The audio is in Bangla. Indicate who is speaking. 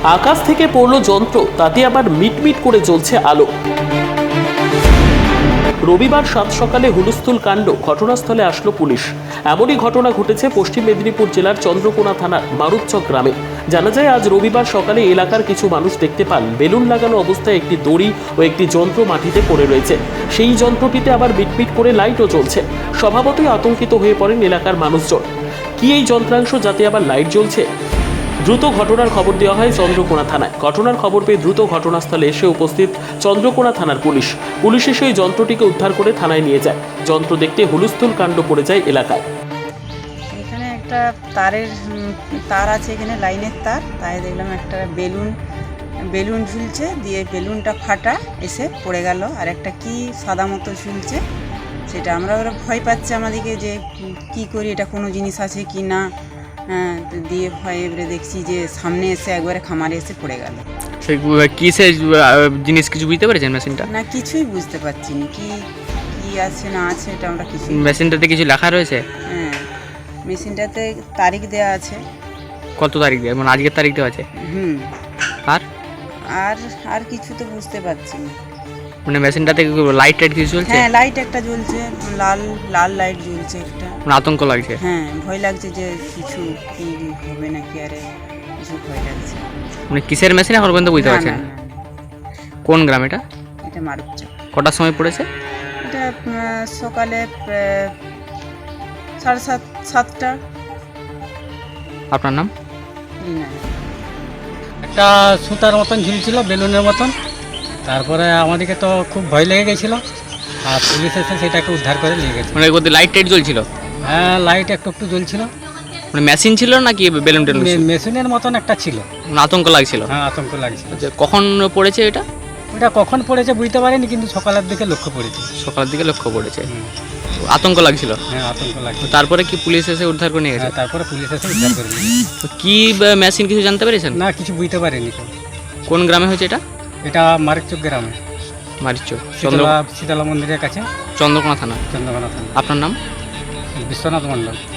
Speaker 1: আকাশ থেকে পড়লো যন্ত্র, তাতে আবার মিটমিট করে জ্বলছে আলো। রবিবার সাত সকালে হুলস্থুল কাণ্ড, ঘটনাস্থলে আসলো পুলিশ। এমনই ঘটনা ঘটেছে পশ্চিম মেদিনীপুর জেলার চন্দ্রকোনা থানার মারুপচক গ্রামে। জানা যায়, আজ রবিবার সকালে এলাকার কিছু মানুষ দেখতে পান বেলুন লাগানো অবস্থায় একটি দড়ি ও একটি যন্ত্র মাটিতে পড়ে রয়েছে। সেই যন্ত্রটিতে আবার মিটমিট করে লাইটও জ্বলছে। স্বভাবতই আতঙ্কিত হয়ে পড়েন এলাকার মানুষজন। কি এই যন্ত্রাংশ, যাতে আবার লাইট জ্বলছে? দ্রুত ঘটনার খবর দেওয়া হয় চন্দ্রকোনা থানায়। ঘটনার খবর পেয়ে দ্রুত ঘটনাস্থলে এসে উপস্থিত চন্দ্রকোনা থানার পুলিশ। পুলিশ এসে ওই যন্ত্রটিকে উদ্ধার করে থানায় নিয়ে যায়। যন্ত্র দেখতে হুলস্থুল কাণ্ড পড়ে যায় এলাকায়।
Speaker 2: এখানে একটা তার আছে, এখানে লাইনের তার, তাই দেখলাম একটা বেলুন ঝুলছে, দিয়ে বেলুনটা ফাটা এসে পড়ে গেল। আর একটা কি সাদা মতো ঝুলছে, সেটা আমরা ভয় পাচ্ছে আমাদেরকে যে কি করি, এটা কোনো জিনিস আছে কি না। দিয়ে ভয় এবারে দেখছি যে সামনে এসে একবারে খামারে এসে পড়ে গেল।
Speaker 3: সেই কিসের জিনিস কিছু বুঝতে পেরেছেন মেশিনটা?
Speaker 2: না, কিছুই বুঝতে পারছি না কি আছে না আছে, এটা আমরা কিছু।
Speaker 3: মেশিনটাতে কিছু লেখা রয়েছে?
Speaker 2: হ্যাঁ, মেশিনটাতে তারিখ দেওয়া আছে।
Speaker 3: কত তারিখ দেওয়া, মানে আজকের তারিখ দেওয়া আছে? আর
Speaker 2: আর আর কিছু তো বুঝতে পারছি না।
Speaker 3: মানে মেশিনটাতে লাইট টাইট কিছু চলছে?
Speaker 2: হ্যাঁ, লাইট একটা জ্বলছে, লাল লাল লাইট জ্বলছে একটা।
Speaker 3: মানে আতঙ্ক লাগছে?
Speaker 2: হ্যাঁ, ভয় লাগছে যে কিছু কি হবে নাকি, আরে কিছু ভয় লাগছে।
Speaker 3: মানে কিসের মেশিন এখন পর্যন্ত বুঝতে
Speaker 2: না,
Speaker 3: পারছেন?
Speaker 2: না, না,
Speaker 3: কোন গ্রাম এটা?
Speaker 2: এটা মারুপচক।
Speaker 3: কটার সময় পড়েছে?
Speaker 2: এটা সকালে 7:30।
Speaker 3: আপনার নাম?
Speaker 2: রিনা।
Speaker 4: একটা সুতার মতন ঝুলছিল, বেলুনের মতন। তারপরে আমাদেরকে তো খুব ভয় লেগে গেছিলো, আর পুলিশ এসে সেটাকে উদ্ধার করে নিয়ে গেছে।
Speaker 3: মানে ওদের লাইট টাইট জ্বলছিল?
Speaker 4: হ্যাঁ, লাইট একটু একটু জ্বলছিল।
Speaker 3: মানে মেশিন ছিল নাকি বেলুন টেলুন?
Speaker 4: মেশিনের মতন একটা ছিল।
Speaker 3: মানে আতঙ্ক লাগছিল?
Speaker 4: হ্যাঁ, আতঙ্ক লাগছিল।
Speaker 3: আচ্ছা, কখন পড়েছে এটা?
Speaker 4: ওটা কখন পড়েছে বুঝতে পারিনি, কিন্তু সকালের দিকে লক্ষ্য পড়েছে।
Speaker 3: সকালের দিকে লক্ষ্য পড়েছে। আতঙ্ক লাগছিল?
Speaker 4: হ্যাঁ, আতঙ্ক লাগছিল।
Speaker 3: তারপরে কি পুলিশ এসে উদ্ধার করে নিয়ে গেছে?
Speaker 4: হ্যাঁ, তারপরে পুলিশ এসে উদ্ধার করে নিয়ে গেছে।
Speaker 3: তো কি মেশিন কিছু জানতে পেরেছেন?
Speaker 4: না, কিছু বুঝতে পারিনি তো।
Speaker 3: কোন গ্রামে হয়েছে এটা?
Speaker 4: এটা মারিচক গ্রামে,
Speaker 3: মারিচক,
Speaker 4: শীতলা মন্দিরের কাছে,
Speaker 3: চন্দ্রকোনা থানা।
Speaker 4: চন্দ্রকোনা থানা।
Speaker 3: আপনার নাম?
Speaker 4: বিশ্বনাথ মণ্ডল।